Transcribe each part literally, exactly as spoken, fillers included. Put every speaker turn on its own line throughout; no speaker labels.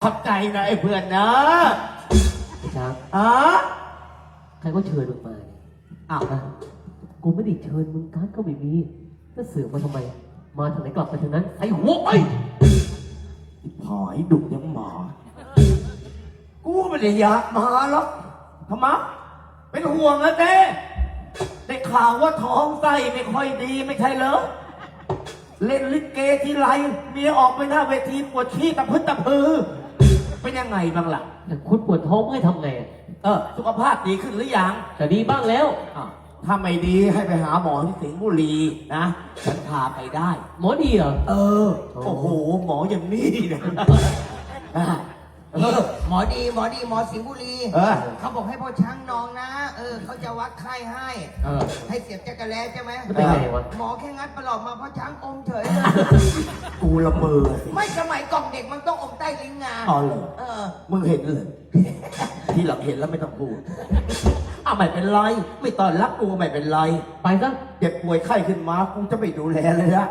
ขอบใจนะไอ้เพื่อนนะ
ไอ้ช้าง
อ๋อ
ใครก็เชิญมึงมาอ้าวนะกูไม่ได้เชิญมึงการก็ไม่มีจะเสือกมาทำไมมาทางไหนกลับไปทางนั้นไอ้หัวไป
ผายดุยังหมากูไม่ได้อยากมาหรอกทำไมเป็นห่วงนะเต้ได้ข่าวว่าท้องไส้ไม่ค่อยดีไม่ใช่เหรอเล่นลิเกทีไรเมียออกไปหน้าเวทีปวดขี้ตะพึดตะพือเป็นยังไงบ้างล่ะ
แต่คุณปวดท้องให้ทำไง
เออสุขภาพดีขึ้นหรือยัง
แต่ดีบ้างแล้ว
ถ้าไม่ดีให้ไปหาหมอที่สิงห์บุรีนะฉันพาไปได้
หมอดีเหรอ
เออโอ้โหหมออย่างนี้เนี่ย
เออหมอดีหมอดีหมอสิงห์บุรีเขาบอกให้พ่อช้างนองนะเออเขาจะวัดไข้ให้ให้เสียบจักรแล้ใช่ไหม
เป็นไงวะ
หมอแค่งัดประหลอดมาพ่อช้างอมเฉยเลย
กูละเมอ
ไม่สมัยกล่องเด็กมันต้องอมใต้ลิ้นงา
อ๋อเหรอ
เออ
มึงเห็นเลยที่หลังเห็นแล้วไม่ต้องพูดอ้าวไม่เป็นไรไม่ตอนรักกูไม่เป็นไร
ไปซะ
เจ็บป่วยไข้ขึ้นมากูจะไปดูแลเลยละ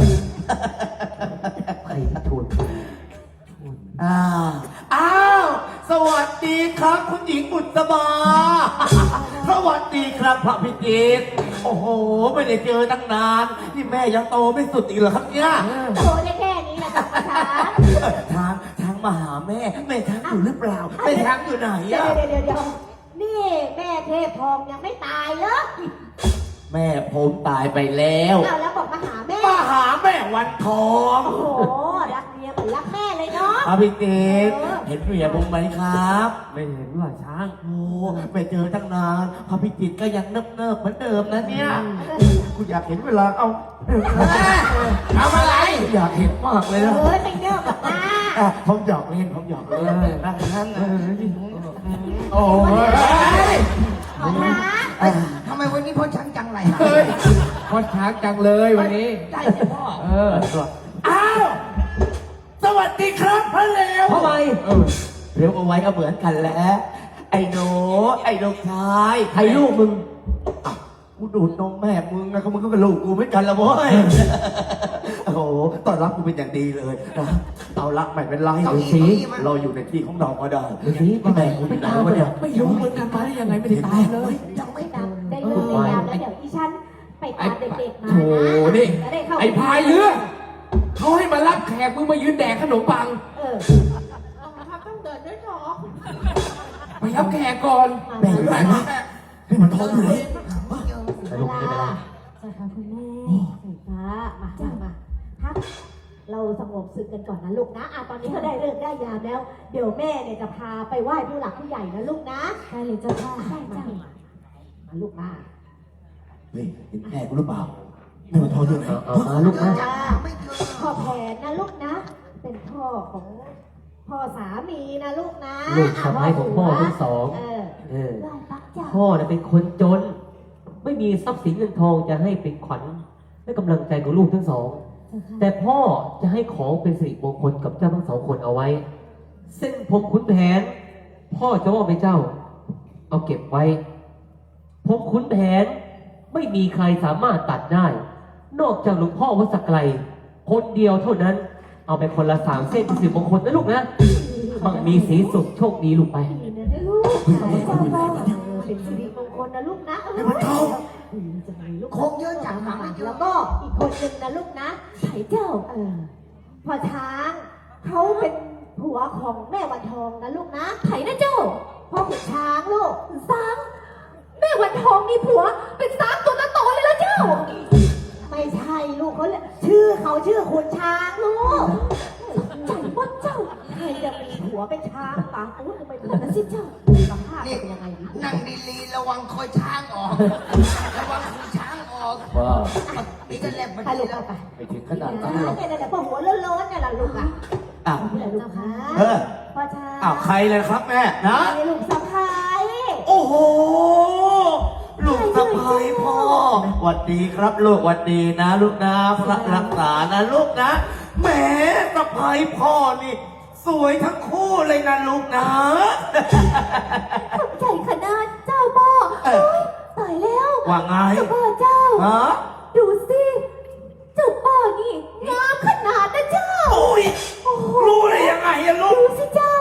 ใครชวน
อ้าวอ้าว สวัสดีครับคุณหญิงบุษบาสวัสดีครับพระพิจิตรโอ้โหไม่ได้เจอตั้งนานนี่แม่ยังโตไม่สุดอีกเหรอครับเนี่ย
โตได้แค่นี้แหละจ้ะช้าง
ทางทางมาหาแม่แม่ช้างอยู่หรือเปล่าแม่ช้างอยู่ไหน
อะเดี๋ยวเดี๋ยวเดี๋ยวนี่แม่เทพทองยังไม่ตายเหรอ
แม่ผมตายไปแล้ว
เอาแล้วบอกมาหาแม่
มาหาแม่วันทอง
โอ้โหรักเมียเหมือนรักแม่เลยเนาะ
พระพิจิตรเห็นเมียผมไหมครับ
ไม่เห็นว่าช้าง
โอ้ไม่เจอตั้งนานพระพิจิตรก็ยังเนิบเนิบเหมือนเดิมนะเนี่ยกูอยากเห็นเวลาเอา
เอาอะไร
อยากเห็นมากเลยนะ
เฮ้ยไปเนิบแบบน้า
ผมหยอกเล่นผมหยอกเล่นนะนั่นโอ้
ยขอท้า
ทำไมวันนี้พ่อช้างจังไรฮะ
พ่อช้างจังเลยวันนี้
ได้ใช่พ่อ
เออ
อ้าวสวัสดีครับพ่อเลว
ทำไม
เร็วเอาไว้ก็เหมือนกันแหละไอ้โนไอ้ลูกชาย
ใครลูกมึง
กูดูดนมแม่มึงนะเขามึงก็เป็นลูกกูไม่กันละโว้ยโอ้โหตอนรับกูเป็นอย่างดีเลยนะเอาละไม่เป็นไร
ดูสิ
เราอยู่ในที่ของเราก็ได้
ดูสิ
แม่กูไม่ตายวะเนี่ย
ไม่รู้เหมือนกันมาได้ยังไงไม่ได้ตายเลย
ยังไม่ตายได้เลิกได้ยามแล้วเดี๋ยวอีฉันไปตามเด็กๆมานะ
โถนี่ไอ้พายเรือเขาให้มารับแขกมึงมายืนแดกขนมปัง
เออเขาต้องเดินด้วยท้อง
ไปรับแขกก่อน
แบ่งไหนวะให้มันท้องเลย
เวลาสวัสดีคุณแม่สายฟ้ามาจ้ามาพักเราสงบศึกกันก่อนนะลูกนะอ่ะตอนนี้ก็ได้เลิกได้ยามแล้วเดี๋ยวแม่เนี่ยจะพาไปไหว้ผู้หลักผู้ใหญ่นะลูกนะใช่เลยเจ้าค่ะใช่จ้ามาลูกมา
เฮ้ยเห็นแม่กูหรือเปล่าแม่มันท้องด้วยไหม
มาลูกนะ
พ่อแผนนะลูกนะเป็นพ่อของพ่อสามีนะลูกนะ
ลูกสะใภ้ของพ่อทั้งสองเออพ่อเนี่ยเป็นคนจนไม่มีทรัพย์สินเงินทองจะให้เป็นขวัญและกำลังใจของลูกทั้งสองแต่พ่อจะให้ของเป็นสิริมงคลกับเจ้าทั้งสองคนเอาไว้เส้นผมขุนแผนพ่อจะมอบให้เจ้าเอาเก็บไว้ผมขุนแผนไม่มีใครสามารถตัดได้นอกจากหลวงพ่อวัดสักไกลคนเดียวเท่านั้นเอาไปคนละสามเส้นเป็นสิริมงคลนะลูกนะมั่งมีสีสุขโชคดีลูกไป
เป็นสิริมงคลนะลูกนะเออจะมีลูก
คงเยอะจังหาไม่เยอะ
แล้วก็อีกคนหนึ่งนะลูกนะไผ่เจ้าเออพ่อช้างเขาเป็นผัวของแม่วันทองนะลูกนะไผ่นะเจ้าพ่อขุนช้างลูกช้างแม่วันทองมีผัวเป็นช้างตัวโตเลยละเจ้าไม่ใช่ลูกเขาชื่อเขาชื่อขุนช้างลูกใจว่าเจ้าใครจะมีผัวเป็นช้างปากอู้ทำไมเป็นสิเจ้าสภาพเป็นยังไง
นั่งดีๆระวังคอยช้างออกระวังคอยช้างออก
ว้าว
นี่ก็แลบมัน
ลูกไป
ไปถึงขนาดนั้นหรอ
เนี่ยเนี่ยพอหัวโล้นๆเนี่ยล่ะลูกอ่ะ
อ้าว
ลูกค่ะ
เออ
พ่อช้าง
อ้าวใครเลยครับแม่นะ
ลูกสะใภ้
โอ้โหลูกสะใภ้พ่อหวัดดีครับลูกหวัดดีนะลูกนะพระรักษานะลูกนะแหมสะใภ้พ่อนี่สวยทั้งคู่เลยนะลูกนะ
ขอบใจขนาดเจ้าพ่อตายแล้ว
ว่าไง
เจ้าพ่อเจ้า
ฮะ
ดูสิเจ้าพ่อนี่งามขนาดนะเจ้า
โอ้ยรู้ได้ยังไงอะลูก
ดูสิเจ้า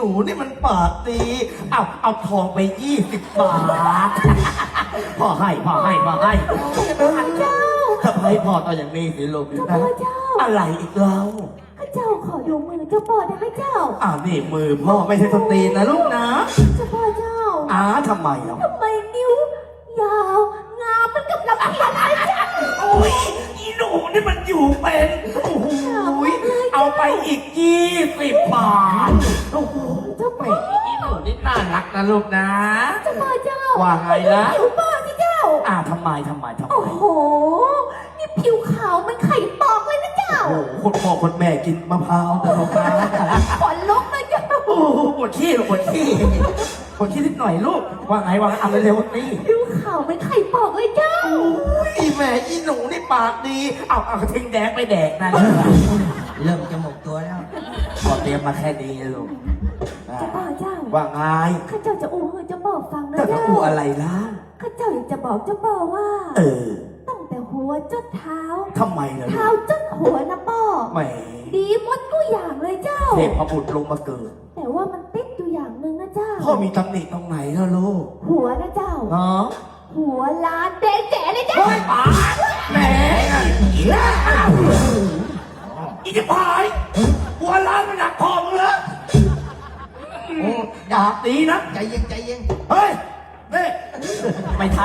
นูนี่มันปากดี เอาเอาทองไปยี่สิบบาท พ่อให้พ่อให้พ่อให้
เจ้า
ทำไมพ่อต่ออย่างนี้สิลูก
เจ้าพ่อเจ้า
อะไรอีกแล้ว
ข้าเจ้าขอดูมือเจ้าพ่อได้ไหมเจ้า
อ่านี่มือพ่อไม่ใช่สตรีนนะลูกนะ
เจ้าพ่อเจ้า
อ้าทำไมอ่ะ
ทำไมนิ้วยาว งามมันกับลำเพียนเลยเจ้า
โอ้ยอีหนูนี่มันอยู่เป็นโอ้โหเอาไปอีกยี่สิบบาทโอ้โห
เจ้าพ่อ
อีหนูนี่น่ารักนะลูกนะ
เจ้าพ่อเจ้า
ว่าไงล่ะ
ผิวป้าสิเจ้า
อ่าทำไมทำไมทำไม
โอ้โห นี่ผิวขาวมันไข่ปอกเลยนะเจ้า
โอ้โหคนพ่อคนแม่กินมะพร้าวแต่มะพร้าว
ขนลุกเลยเจ้า
โอ้โหปวดขี้ปวดขี้ปวดขี้นิดหน่อยลูก ว่าไงว่าไงเอาเร็วๆนี่
ผิวขาวมันไข่ปอกเลยเจ้า
โอ้ยแม่อีหนูนี่ปากดี เอาเอากระทิงแดงไปแดกนะ
เริ่มจะหมกตัวแล้ว
ขอเตรียมมาแค่นี้ลูกอ่า
เจ้าพ่อเจ้า
ว่าไง
ข้าเจ้าจะอู้ให้เจ้าพ่อฟังนะ
เจ้าจะ
เจ้า
อูอะไรล่ะ
ข้าเจ้าอยากจะบอกเจ้าพ่อว่า
เออ
ตั้งแต่หัวจนเท้า
ทำไมล่ะลู
เท้าก จนหัวนะพ่อ
แหม
ดีหมดทุกอย่างเลยเจ้า
เทพบุตรลงมาเกิด
แต่ว่ามันติดอยู่อย่างหนึ่งนะเจ้า
พ่อมีตำหนิตรงไหนล่ะลูก
หัวนะเจ้า
เนาะ
หัวล้านแดงแจ๋เลยเจ้า
เฮ้ยป๋าแหมอีล่าอีจะพายหัวล้านมันหนักพอมึงเหรอ
โอ้
ดาบดีนะ
ใจเย็นใจเย็น
เฮ้ยนี่ไม่ทัน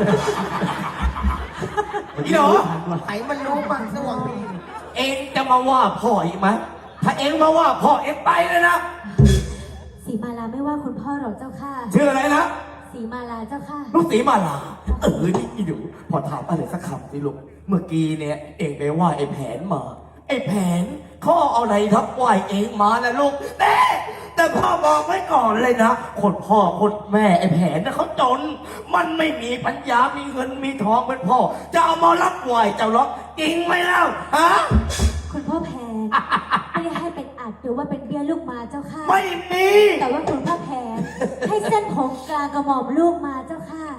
อีหนู
ไหมันรู้บ้างสว่างมี
เองจะมาว่าพ่ออีกไหมถ้าเองมาว่าพ่อเองไปเลยนะ
สีมาลาไม่ว่าคุณพ่อหรอกเจ้าค่ะ
ชื่ออะไรนะ
สีมาลาเจ้าค่ะ
ลูกศรีมาลา เออ นี่อีหนูพอถามอะไรสักคำสิลูก เมื่อกี้เนี่ย เองไปว่าไอ้แผนมา ไอ้แผนเขาเอาอะไรทับไหวเองมานะลูกแต่แต่พ่อบอกไว้ก่อนเลยนะ คนพ่อคนแม่ไอ้แผนนะเขาจน มันไม่มีปัญญา มีเงินมีทองเป็นพ่อ จะเอามารับไหวเจ้าหรอกจริงไหมเล่าฮะ
คุณพ่อแพนไม่ได้ให้เป็นอัดหรือว่าเป็นเบี้ยลูกมาเจ้าค่ะ
ไม่มี
แต่ว่าคุณพ่อแพนให้เส้นผมกลางกระหม่อมลูกมาเจ้าค่ะ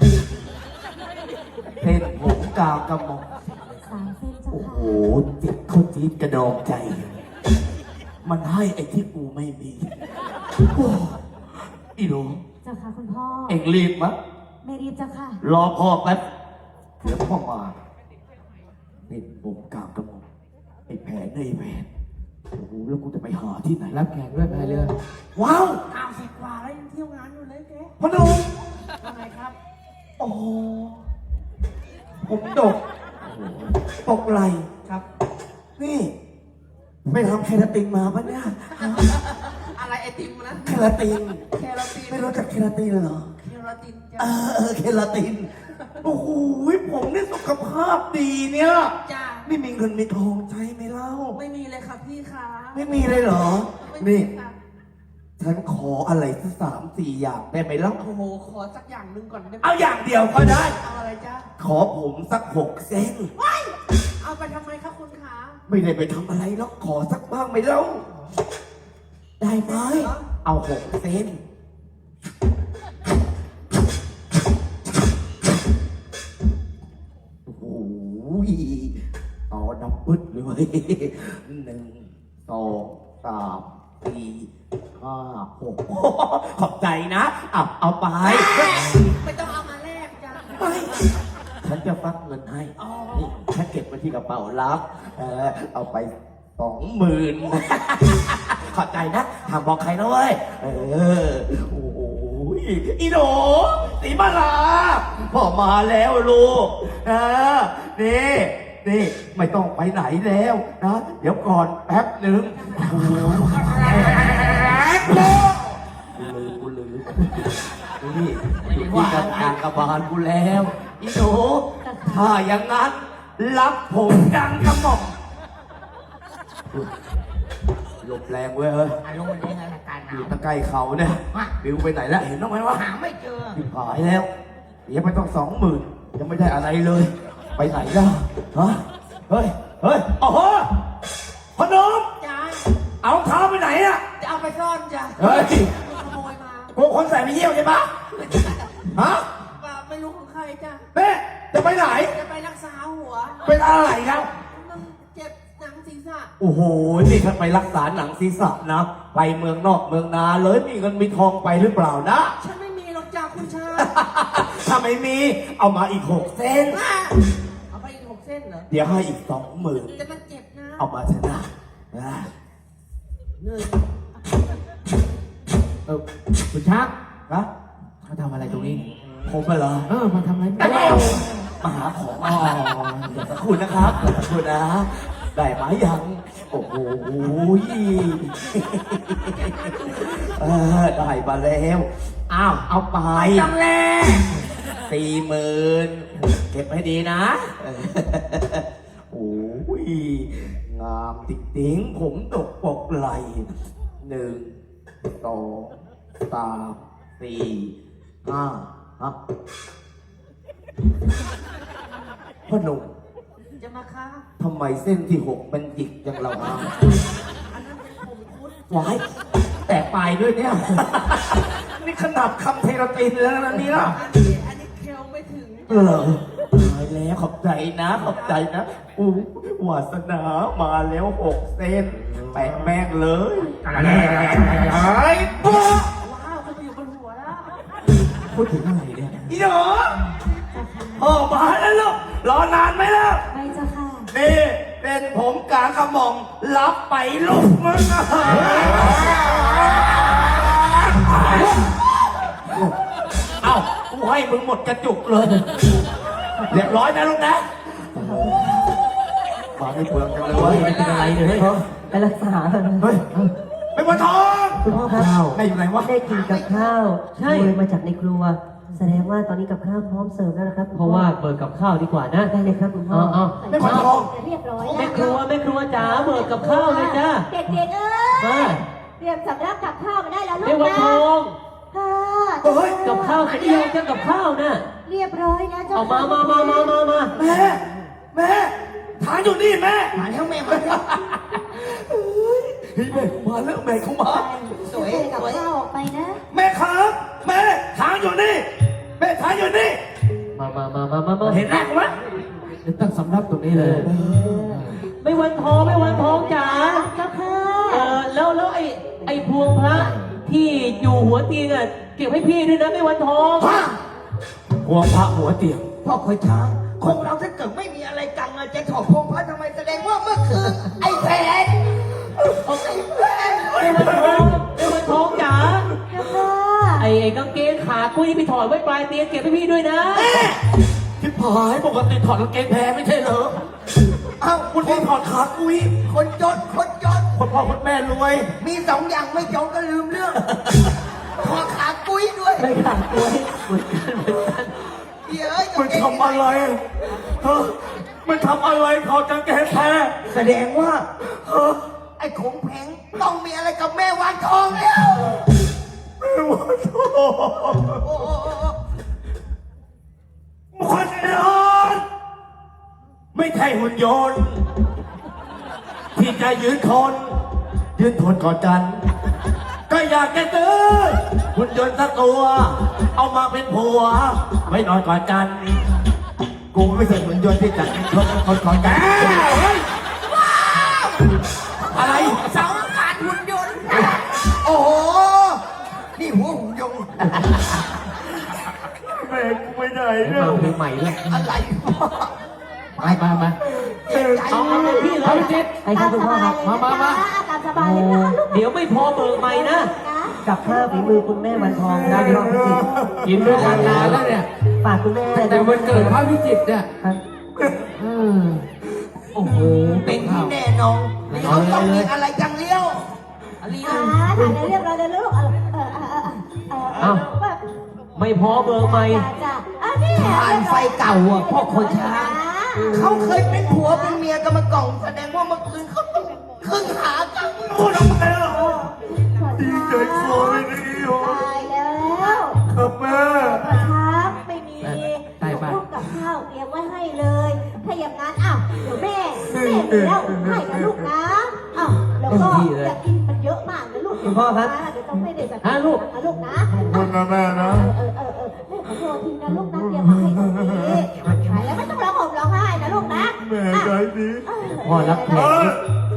เพนผมกาวกระหม่อม
สามเส้นเจ้า
โอ้
ค่ะ
โหจิตเขาจี๊ดกระดองใจ มันให้ไอ้ที่กูไม่มีโอ้อีหนู
เจ้าค่ะคุณพ่อ
เอ็งรีบมะ
ไม่รีบเจ้าค่ะ
รอพ่อแป๊บเดี๋ยวพ่อมานี่ผมกาวกระหม่อมไอ้แผนไอ้แผนโอ้โหแล้วกูจะไปหาที่ไหน
รับแขกด้วยพายเรือ
ว้าว
อ้าวสิบกว่าแล้วยังเที่ยวงานอยู่เลยแก
พนุ่ม
ว่าไงครับ
โอ้โหผมดกปกไหล
ครับ
นี่ไปทำเคราตินมาปะเนี่ย
อะไรไอติมนะ
เคราติน
เคราติน
ไม่รู้จักเคราตินเหรอ
เคราติน
เอ
จ้า
อเออเคราติน โอ้โหผมนี่สุขภาพดีเนี่ย
จ้า
ไม่มีเงินมีทองใช้ไหมเล่า
ไม่มีเลยครับพี่คะ
ไม่มีเลยเหรอ
ไม่มี
นี่
ค่ะ
ฉันขออะไรสักสามสี่อย่างได้ไหมเล่า
โอ้โหขอสักอย่างหนึ่งก่อนได้ไหม
เอาอย่างเดียวก็ได้
เอาอะไรจ้า
ขอผมสักหกเส้น
เอาไปทำไมครับคุณขา
ไม่ได้ไปทำอะไรหรอกขอสักบ้างไหมเล่า ได้ไหม เอาหกเส้น โอ้โหต่อน้ำพึดเลยเว้ยหนึ่งสองสามสี่ห้าหกขอบใจนะอ่ะเอาไป
ไม่ต้องเอามาแลกจ้า
ไม่ ฉันจะฟักเงินให้
อ๋อ
นี่ฉันเก็บไว้ที่กระเป๋าลับ เออ เอาไปสองหมื่น ขอบใจนะห้ามบอกใครนะเว้ย เออ โอ้โหอีโหนสีมาลาพ่อมาแล้วลูกเออนี่นี่ไม่ต้องไปไหนแล้วนะ เดี๋ยวก่อนแป๊บหนึ่งโอ้โหกูลืมกูลืมนี่อยู่ที่กลางกระบาลกูแล้วอีโหนถ้าอย่างนั้น รับผมดังกระหม่อมหลบแรงเว้ยเฮ้ย
อารมณ์เป็นยังไงอาการห
อน
าว
ยู่ตะไกลเขาเนี่ยบิวไปไหนแล้วเห็นบ้างไหมวะ
หาไม่เจอ
ผิดหายแล้วเดี๋ยวไปต้องสองหมื่นยังไม่ได้อะไรเลย ไปไหนแล้วฮะเฮ้ยเฮ้ยโอ้โหพนม
จ้า
เอาเท้าไปไหนอะ
จะเอาไปซ่อนจ้า
เฮ้ย
ขโมยมา
กูคนใส่ไปเยี่ยวใช่ปะฮะ
ว่าไม่รู้ของใครจ้า
เป๊ะจะไปไหน
จะไปรักษาหัว
เป็นอะไรครับ
มันเจ็บหนังศีรษะ
โอ้โห นี่ถ้าไปรักษาหนังศีรษะนะ ไปเมืองนอกเมืองนาเลยมีเงินมีทองไปหรือเปล่านะ
ฉันไม่มีหรอกจ้าคุณชาย
ถ้าไม่มี เอามาอีกหกเส้น
เอาไปอีกหกเส้นเหรอ
เดี๋ยวให้อีกสองหมื่น
แต่มันเจ็บนะ
เอามาชนะนะ
เนื่อย
เออคุณช้าง
นะ
เขาทำอะไรตรงนี้
ผมไปเหรอ
เออมาทำอะไร
มาหาของอ๋อเดี๋ยวสักครู่นะครับเดี๋ยวสักครู่นะ ได้ไหมยัง โอ้โหเออได้มาแล้ว อ้าว เอาไป
จังเลย
สี่หมื่นเก็บให้ดีนะเออโอ้ยงามติ๊งๆผมตกปกไหลหนึ่งสองสามสี่ห้าฮะพ่อหนุ่ม
จะมาค้า
ทำไมเส้นที่หกมันหยิกจังเราฮะ
อันนั้นเป็นผมคุด
วายแต่ปลายด้วยเนี่ย นี่ขนาดคำเทราตินแล้วนะเนี่ย
อันนี้อันนี้เคลไม่ถึง
เออตายแล้วขอบใจนะ ขอบใจนะอู้วาสนามาแล้วหกเส้นแปะแม่งเลยไอ้ปุ๊
ว้าวเขาไปอยู่บนหัวแล้ว
พูดถึงอะไรเนี่ยอีหนูโอ้มาแล้วลูกรอนานไหมล่ะ
ไปเจ้าค่ะ
นี่เป็นผมกลางกระหม่อมรับไปลูกมึงอะเอ้ากูให้มึงหมดกระจุกเลยเรียบร้อยนะลูกนะมาไม่เปลืองกันเลย
โอ้ยไม่เป็นอะไรเลยไปรักษาเถอะ
เฮ้ยไปวันทอง
คุณพ่อครับ
ได้อยู่ไหนวะ
ได้กินกับข้าว
ใช่
โดยมาจากในครัว แสดงว่าตอนนี้กับข้าวพร้อมเสิร์ฟแล้วนะครับคุณ
เพ
พ่อ
ราะว่าเบิกกับข้าวดีกว่านะ
ได้เลยครับคุณพ่อ
เอาเอา
ไม่วันทอง
เรียบร้อย
แม่ครัวแม่ครัวจ๋าเบิกกับข้าวเลยจ้า
เด็กๆเอ้
มาย
เตรียมสำรับกับข้าวมาได้แล้วลู
แม่
ก
วัน
นะ
ทอง
ค่ะ
เฮ้ย
กับข้าวเดียวจะกับข้าวนะ
เรียบร้อยนะเจ้า
เอามามามามามามา
แม่แม่ฐานอยู่นี่แม่
มาแล้วแม่มาแล้ว
เฮ้ยแม่เขามาแล้วแม่เขามา
สวย
กับ
สวย
ข้าวออกไปนะ
แม่ครับแม่ฐานอยู่นี่แม่ฐานอยู่นี่
มามามามามามา
เห็นแรกไหม
เดี๋ยวตั้งสำรับตรงนี้เลย
ไม่วันทองไม่วันทองจ๋า
เจ้าค่ะ
เออแล้วแล้วไอ้ไอ้พวงพระที่อยู่หัวเตียงอ่ะเก็บให้พี่ด้วยนะไม่วันทอง
หัวพระหัวเตียง
พ่อคอยช้างคงเราถ้าเกิดไม่มีอะไรกันอะจะถอดพงพระทำไมแสดงว่าเมื่อคืนไอ้แผนไอ้แผน
ไม่วันทองไม่วันทองจ๋า
เจ้าค่ะ
ไอ้ไอ้กางเกงขากุ้ยไปถอดไว้ปลายเตียงเก็บให้พี่ด้วยนะ
ที่ผายปกติถอดกางเกงแพ้ไม่ใช่เหรอ
เอ้า
คุณพี่ถอดขากุ้ย
คนจนคนจน
คนพ่อคนแม่รวย
มีสองอย่างไม่จนก็ลืมเรื่องขอขากุ้ยด้วย
ไม่ขาดตัว
เหมือนกันเหมือนกัน
เดี๋ยวเอ้ย
มันทำอะไรฮะมันทำอะไรถอดกางเกงแพ้
แสดงว่าเออไอ้ขงแผงต้องมีอะไรกับแม่วานทองแล้ว
ไม่ว่าโทษ
โอ้โอ้โอ้โอ้
คนนอนไม่ใช่หุ่นยนต์ ที่จะยืนทน ยืนทนก่อนกัน ก็อยากจะซื้อหุ่นยนต์สักตัว เอามาเป็นผัว ไม่นอนก่อนกัน กูไม่ใช่หุ่นยนต์ที่จะยืนทนคนก่อนกันเฮ้ยอะไร
เสาอากาศหุ่นยนต์โอ้โหนี่หัวหุ่นยนต์
แม่กูไปไหน
เดี๋ยว
เนี่ย
มาเพลงใหม่เลย
อะไร
ไปไปไป
เจ็บใจ
เอาเอาเลยพี่เล
เอา
ย
ไปจิต
ไปครับคุณพ่อครับ
มามามา
อาการสบายเลยนะคะลูก
เดี๋ยวไม่พอเบิกใหม่นะ
นะ
กับข้าวฝีมือคุณแม่วันทองนะพี่น้องพิจิตร
กินด้วยกันนานแล้วเนี่ย
ฝากคุณแม่
แต่วันเกิดพระพิจิตรเนี่ย
ครับ
เออโอ้โห
เป็นที่แน่นอนเขาต้องมีอะไรจังเลี้ยวอะไร
อ่า
นะ
ถ่ายได้เรียบร้อยแล้วลูก เออเออเออเออเออเออแบบ
ไม่พอเบิกใหม่
จ้าจ้าอ่ะนี่
ผ่านไฟเก่าอ่ะพ่อคนช้างเขาเคยเป็นผัวเป็นเมียกันมาก่อนแสดงว่าเมื่อคืนเขาต้องครึ่งหากัน
พูดออกมาแล้ว ดีใจคอไม่ดีโอ
ตายแล้ว
ครับแม่
กระช้างไม่มีพวกกับข้าวเตรียมไว้ให้เลย ถ้าอย่างนั้นอ้าวเดี๋ยวแม่แม่มีแล้วให้นะลูกนะอ้าวแล้วก็อยากกินมันเยอะมากนะลูกเดี๋ยวต้องไม่ได้แบบนะลูกนะ
ขอบคุณนะแม่นะ
เออเออเออแม่ขอโทษทีนะลูกนะเตรียมมาให้ตรงนี้หายแล้วไม่ต้องร้องห่มร้องไห้นะลูกนะ
แม่ใจดี
พ่อรับแท
เอน อ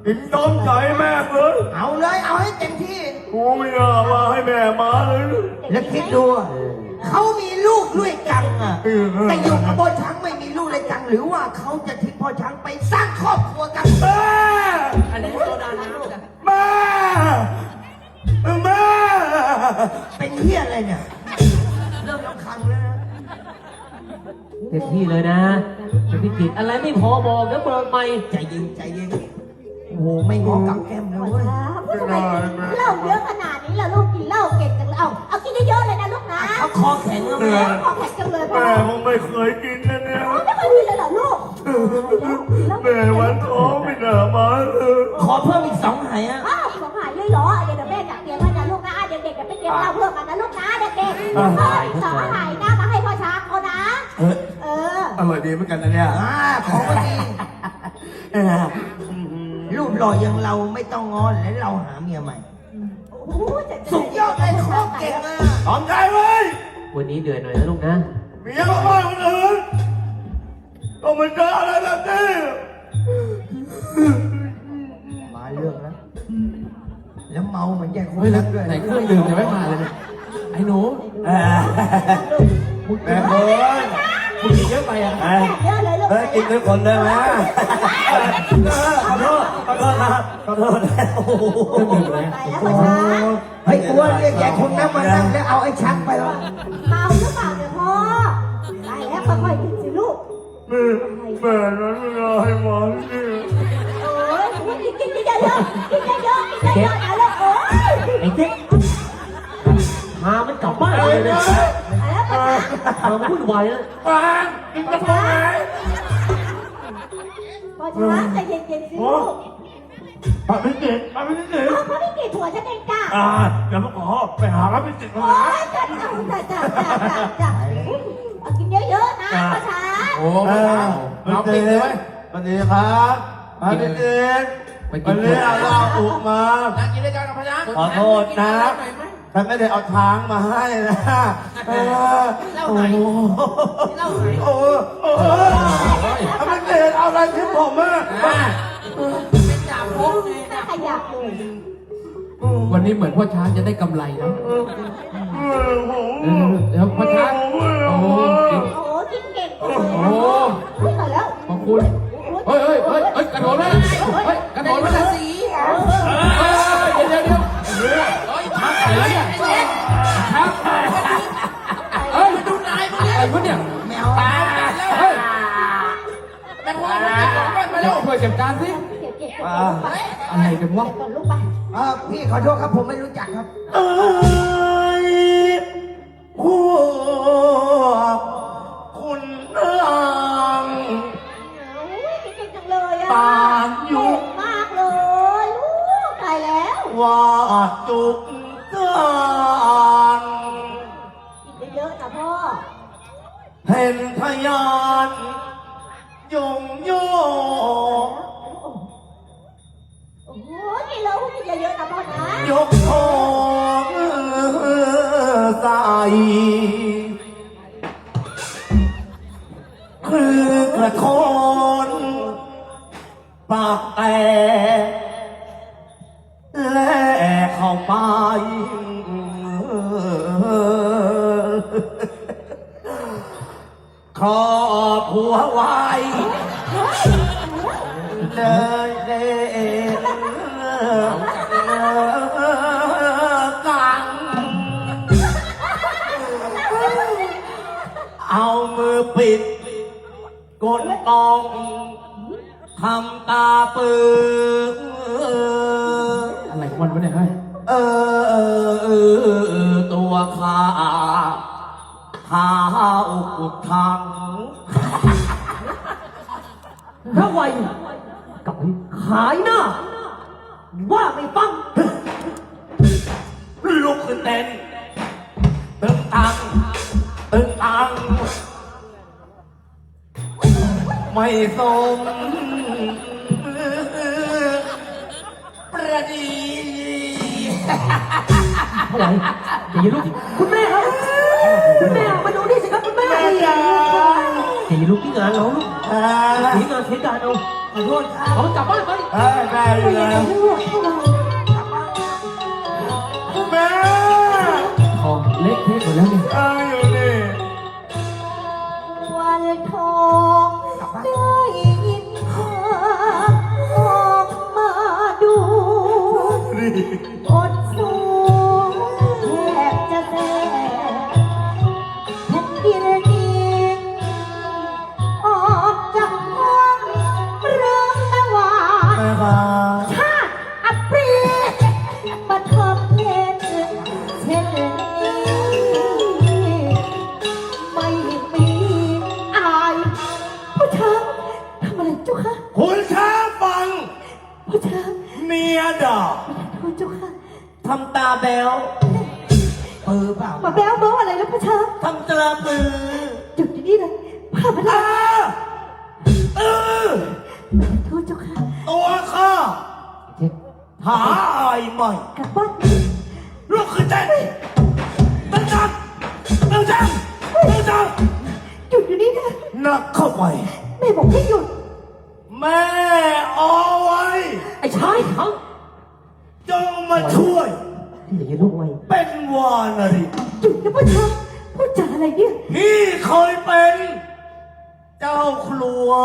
กินต้มใจแม่เลย
เอาเลยเอาให้เต็มที่
กูไม่น่ามาให้แม่มาเลย
แล้วคิดดูอะเขามีลูกด้วยกันอ่ะแต่อยู่กับพ่อช้างไม่มีลูกเลยกันหรือว่าเขาจะทิ้งพ่อช้างไปสร้างครอบครัวกัน
แม่
อันนี้โซดาน้ำกัน
แม่แม่
เป็นเฮียอะไรเนี่ยเริ่มรำคาญแล้วนะ
เต็มที่เลยนะเป็นพิจิตรอะไรไม่พอบอกนะเบิกใหม่
ใจเย็นใจเย็นโอ้โหไม่งอกับแก้มเลย
พ่อ
เว้ย
ช้างพูดทำไมเหล้าเยอะขนาดนี้ล่ะลูกกินเหล้าเก่งจังเลยเอาเอากินเยอะๆเลยนะลูกนะ
เขาคอแข็งแล้ว
แม่
แม่
ขอแข็งจังเลยพ่อ
แม่ผมไม่เคยกินนะเนี่ย
ไม่เคยกินเลยเหรอลูก
แม่วันท้องไม่น่ามาเลย
ขอเพิ่มอีกสองไหายอ่ะ
อ้าวของหายเลยเหรอเดี๋ยวแม่จัดเตรียมไว้นะลูกนะเด็กๆจะไปเตรียมเหล้าเพิ่มกันนะลูกนะเด็กๆเพิ่มอีกสองหายนะมาให้พ่อช้างเขานะ
เออ
เออ
อร่อยดีเหมือนกันนะเนี่ย
อ่าของก็ดีรูปหล่ออย่างเราไม่ต้องงอนและเราหาเมียใหม่
โอ้โหจะจะ
สุดยอดเลยโคตรเก่งอ่ะ
ตอมใจเว้ย
วันนี้เดือดหน่อยนะลูกนะ
เมียก็ว่าคนอื่นก็มันเจออะไรแบบนี้
มาเรื่องแล้วแล้วเมาเหมือนแย่คน
เฮ้ยแล้
รั
ว
กด้วย
ไหนเครื่องดื่มยังไม่มาเลยเนี่ยไอ้หนู
แม่แม่เฮ้ย
มึงกินเยอะไปอ่ะ
แม่
เยอะเลยลูก
เฮ้ยกินทุกคนได้ไหมขอโทษขอโทษครับขอโทษแล้วโอ้โห
เครื่องดื่มเลย
ไปแล้วพ่อช้าง
เฮ้ยกลัวเรียกแย่คนนั้นมานั่งแล้วเอาไอ้ชักไปแล้ว
เมาหรือเปล่าเนี่ยพ่อไปแล้วค่อยๆกินสิลูก
แม่แม่นั้นไม่ได้ให้หมอนี่
โอ้ยกินกินเยอะๆกินเยอะๆกินเยอะๆนะลูกโอ้ย
ไอ้เจ๊กพามันกลับบ้านเลยนะ
ไปแล้วพ่อช้าง
พามันวุ่นวายนะ
ฟังกินกระเพาะไหม
พ่อช้างใจเย็นๆสิลูก
ปะพิจิตรปะพิจิตร
เอาพ่อไม่กี่ถั่วฉันเองจ้า
อ่าเดี๋ยวมาขอไปหาพระพิจิตร
โอ้
มานะ
ยจ้าจ้าจ้าจ้าจ้าจ้าเอากินเยอะๆนะพ่อช้าง
โอ้
เอ
ไม่
อ
เอา
พระ
เอา
พิ
ปิ
จิ
ด
ต
เล
ร
ยเว้ย
สวัสดีครับพระพิจิตร
ไปกิ
วัน นนี้เอาเหล้าอุกมา
นั่งกินด้วยกันกับพนัก
ขอโทษนะฉันไม่ได้เอาช้างมาให้นะเออโอ้โหโอ้โหโอ้โหพระพิจิตรเอาอะไรทิ้งผมอ่ะ
เป็นจ่าพงไง
น่าขยับเลย
วันนี้เหมือนพ่อช้างจะได้กำไรนะ
เออผม
เออเดี๋ยวพ่อช้างโอ้กิน
โอ้กินเก่งจัง
โอ้
เลยนะอุ้ยตายแล้ว
ขอบคุณเฮ้ยเฮ้ยเฮ้ยเฮ้ยกระโดดเลยเฮ้ยกระโดดเลยสีเดี๋ยวเดี๋ยวเดี๋ยวเฮ้ยช้างอะไรเนี่ยช้างเฮ้ยดูนายอะไรวะเนี่ย
แมว
ตายแล้วเฮ้ยแม่พ่อมาเร็วช่วยจัดการสิ
เก็บเก็บเก็บ
อะไรกันวะ
ก่อนลูกไป
เออพี่ขอโทษครับผมไม่รู้จักครับ
เอ้ยพวกคุณนาง
อุ้ยเก่งจังเลยอ่ะ
ตามยุค
มากเลยลูกตายแล้ว
ว่าจุกจาน
กินเยอะๆนะพ่อ
เห็นทยานยงโย
โอ้โหกินแล้วกินเยอะๆนะพ่อนะ
ยกทองใส่คือกระทอนปากแตกและเข้าไป ขอผัวไว้เลยเด่นกังเอามือปิดกดตองทำตาปืน
อะไรของมันวะเนี่ยเฮ้ย
เออเออเออตัวขาข้าวกุดทัง
พระวัยกับขายหน้า ว่าไม่ฟัง
ลุกขึ้นเต้นตึงตังตึงตังไม่สมประดี
เท่าไหร่อย่าลุกคุณแม่ครับ คุณแม่มาดูนี่สิครับคุณแม่
แม่ยา
อย่าลุกที่งานเราลูก
เออ
ที่งานเทศกาลเอาขอโทษเอามันกลับบ้านไป
เออแม่อยู่แล้ว
ลูกเข้ามา
แม่
ทองเละเทะหมดแล้วเนี่ย
ตายอยู่นี่
วันทองได้ยินข่าวออกมาดู
นี่
อดสูแทบจะแสบแผ่นดินนี้ออกจากห้องเรื่องนวา
แม่ครับ
ชาติอัปรีบันทบเย็นเช่นนี้ไม่มีอายผู้ชายทำอะไรเจ้าคะ
คุณช้างฟัง
ผู้ชาย
เมียด่า
ผู้เจ้าค่ะ
ทำตาแบว
เออเปล่า
มาแบ้วเบ้าอะไรแล้วผู้ชาย
ทำตราปือ
จุดที่นี่เลยพาพนั
อ่าก เออ
ผู้เจ้าค่ะ
ตัวข้า
เช็ค
หาอายใหม่
กลับบ้าน
ลุกขึ้นเต้นตั้งจังตั้งจังตั้งจัง
หยุดอยู่นี่นะ
นักเข้าไป
แม่บอกให้หยุด
แม่เอาไว้
ไอ้ชายเขา
จงมาช่วย
อย่าอย่าลุกไว้
เป็นวานารี
หยุดนะผู้ชายพูดจาอะไรเนี่ย
พี่เคยเป็น เจ้าครัว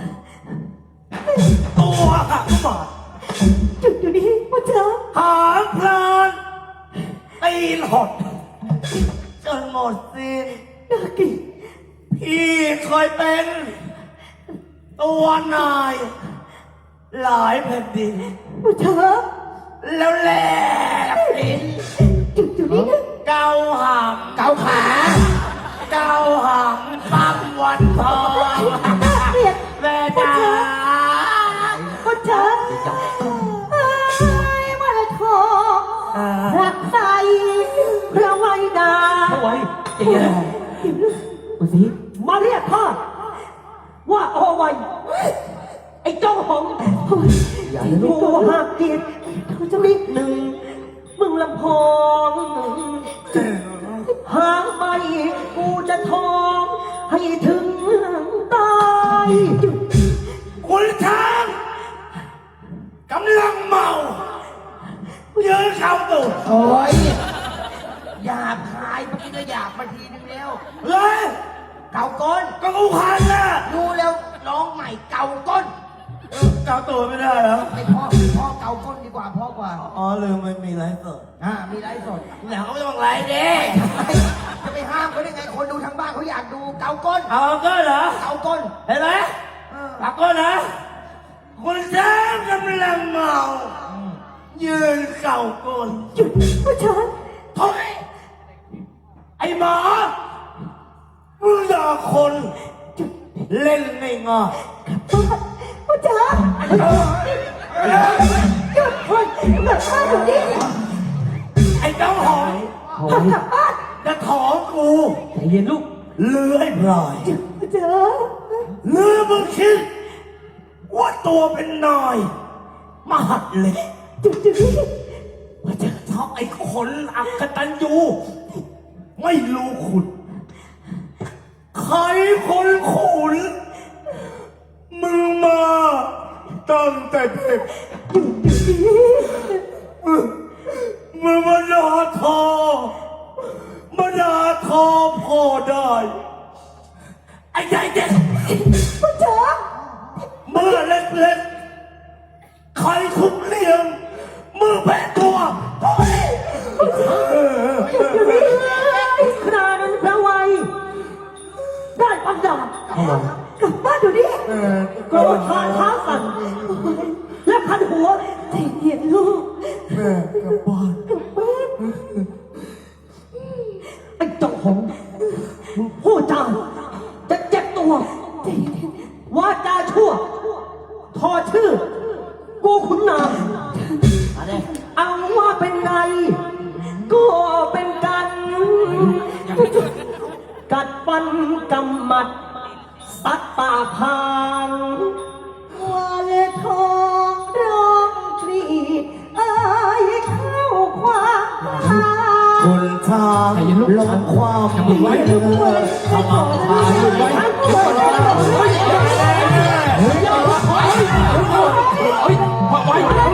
ตัวหักบาด
หยุดอยู่นี่ผู้ชาย
หางพลานตีนหดจนหมดสิ้น
น่าเกลียด
พี่เคยเป็น ตัวนาย หลายแผ่นดิน
ผู้ชาย
แล้วแหลกลิ้น
หยุดอยู่นี่นะ
เกาหางเกาขาเกาหางปั๊มวันทอง
น่าเกลียด
แม่จ๋า
ผู้ชายเอ้ยวันทองรักใสพระไว้ดา
เอาไว้ใจเย็นดูสิ
มาเรียกข้าว่าเอาไว้ ไอ้เจ้าของ
อย่าอย่าลุ
กู
ก
หักเกียรติ
เขาจะรีบ
หนึ่งมึงลำพองหางไปกูจะทอง ให้ถึงตาย
คุณช้างกำลังเมายืนเข้าตูด
โอ้ยหยาบคายเมื่อกี้ก็หยาบมาทีนึงแล้ว
เฮ้ย
เก่าก้น
ก็กูคันนะ
ดูแล้วร้องใหม่เก่าก้น
เกาตัวไม่ได้เหรอ
ไม่พ่อพ่อเก่าก้นดีกว่าพ่อกว่า
อ๋อลืมมันมีไลฟ์สด
อ่ามีไลฟ์สด
เดี๋ยวเขาไม่ต้องไลฟ์ดิ
จะไปห้ามเขาได้ไงคนดูทางบ้านเขาอยากดูเก่าก้น
เอาก็เหรอ
เก่าก้น
เห็นไหม
เออ
เอาก็นะคุณช้างกำลังเมายืนเก่าก้น
หยุดผู้ชาย
ถอยไอ้หมามึงด่าคนเล่นไม่ง่าย
ผู้ชายหยุดเฮ้ยกลับบ้านอยู่นี่
ไอ้เจ้าหอย
เอา
กลั
ไว้
บบ้าน
จะถอนกู
ใจเย็นลูก
เลื้อยพลาย
ผู้ชาย
เลื้อมึงคิด ว่าตัวเป็นนายมหัดเล็ก
หยุดอยู่นี่
ว่าจะชอบไอ้คนอักตันยูไม่รู้ขุนใครคนขุนมึงมาตั้งแต่เด็ก
หยุดอยู่นี่
มึงมึงมาด่าทอมาด่าทอพ่อได้ ไอ้ใหญ่เด็ก
ผู้ชาย
เมื่อเล็กๆ ใครทุบเลี้ยงมือแปะตัวโอ้ย
ครานั้นพระไว้ได้ปัญญา
เข้ามา
กลับบ้านอยู่นี่
โกรธขาเท้าสั่นและพันหัว
ใจเย็นลูก
แม่กลับบ้าน
กลับบ้าน
ไอ้เจ้าของมึงพูดจาจะเจ็บตัว
ใจเย็น
วาจาชั่ว ทอชื่อ กูขุนนางเอาว่าเป็นไง ก็เป็นกัน กัดฟันกำมัด สัตว์ป่าพาง
วันทองร้องกรีดเอ้ยเข้าความทาง
คนทางลงความดีเลือขมังพายไว้
เฮ้ยพอไว้